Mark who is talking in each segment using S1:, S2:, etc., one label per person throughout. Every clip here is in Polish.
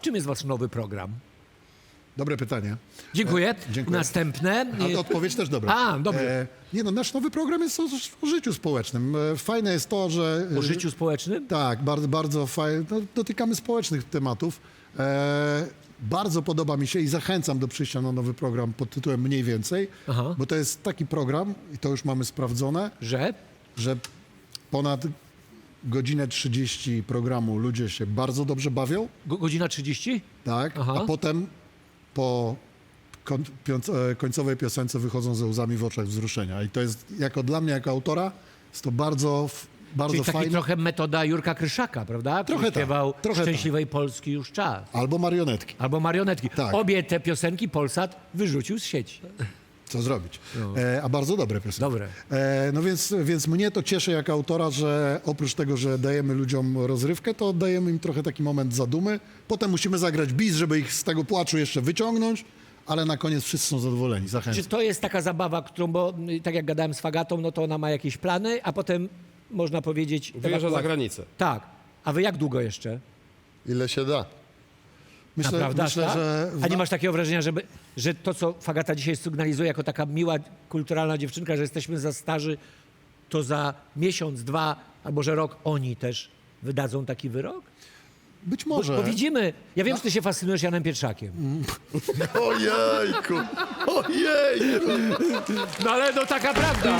S1: czym jest wasz nowy program?
S2: Dobre pytanie.
S1: Dziękuję.
S2: Dziękuję.
S1: Następne.
S2: A odpowiedź też dobra.
S1: A, dobrze.
S2: Nie no, nasz nowy program jest o życiu społecznym. Fajne jest to, że...
S1: O życiu społecznym?
S2: Tak, bardzo, bardzo fajnie. No, dotykamy społecznych tematów. Bardzo podoba mi się i zachęcam do przyjścia na nowy program pod tytułem Mniej Więcej,
S1: Aha.
S2: bo to jest taki program, i to już mamy sprawdzone,
S1: Że?
S2: że ponad godzinę 30 programu ludzie się bardzo dobrze bawią,
S1: Godzina 30?
S2: tak,
S1: Aha.
S2: a potem po końcowej piosence wychodzą ze łzami w oczach wzruszenia. I to jest, dla mnie, jako autora, jest to bardzo
S1: Czyli taki
S2: fajne.
S1: trochę metoda Jurka Kryszaka, prawda? Który
S2: Trochę tak,
S1: śpiewał
S2: trochę
S1: Szczęśliwej Polski już czas.
S2: Albo marionetki.
S1: Albo marionetki.
S2: Tak.
S1: Obie te piosenki Polsat wyrzucił z sieci.
S2: Co zrobić? A bardzo dobre piosenki.
S1: Dobre.
S2: No więc mnie to cieszy jako autora, że oprócz tego, że dajemy ludziom rozrywkę, to dajemy im trochę taki moment zadumy. Potem musimy zagrać bis, żeby ich z tego płaczu jeszcze wyciągnąć, ale na koniec wszyscy są zadowoleni.
S1: Czy
S2: Zachęcam.
S1: to jest taka zabawa, którą, bo tak jak gadałem z Fagatą, no to ona ma jakieś plany, a potem można powiedzieć...
S3: Wyjeżdża za granicę.
S1: Tak. A wy jak długo jeszcze?
S4: Ile się da.
S1: Naprawdę?
S2: Myślę,
S1: tak?
S2: że
S1: A nie masz takiego wrażenia, że to, co Fagata dzisiaj sygnalizuje jako taka miła, kulturalna dziewczynka, że jesteśmy za starzy, to za miesiąc, dwa, albo że rok oni też wydadzą taki wyrok?
S2: być
S1: Bo,
S2: może.
S1: bo widzimy, ja wiem, że ty się fascynujesz Janem Pietrzakiem.
S4: Ojejku! Ojejku!
S1: No ale no taka prawda.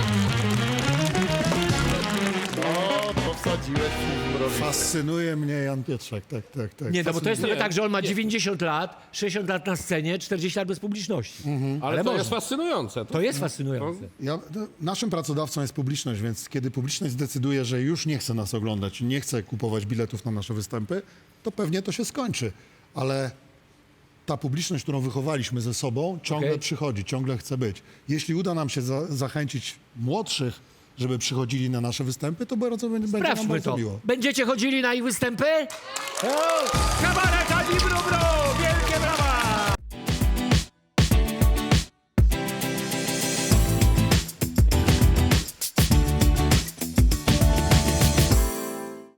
S4: O, to wsadziłeś mi w mrowie.
S2: Fascynuje mnie Jan Pietrzak. Tak.
S1: Nie, no bo to jest trochę
S3: Nie,
S1: tak, że on ma
S3: nie.
S1: 90 lat, 60 lat na scenie, 40 lat bez publiczności.
S3: Ale to
S1: można.
S3: jest fascynujące.
S1: To jest fascynujące.
S2: Naszym pracodawcą jest publiczność, więc kiedy publiczność zdecyduje, że już nie chce nas oglądać, nie chce kupować biletów na nasze występy, to pewnie to się skończy. Ale ta publiczność, którą wychowaliśmy ze sobą, ciągle
S1: Okej.
S2: przychodzi, ciągle chce być. Jeśli uda nam się zachęcić młodszych, żeby przychodzili na nasze występy, to będzie nam
S1: Sprawdźmy
S2: bardzo
S1: to.
S2: miło.
S1: Będziecie chodzili na ich występy? O, kabaret Ani Brubro!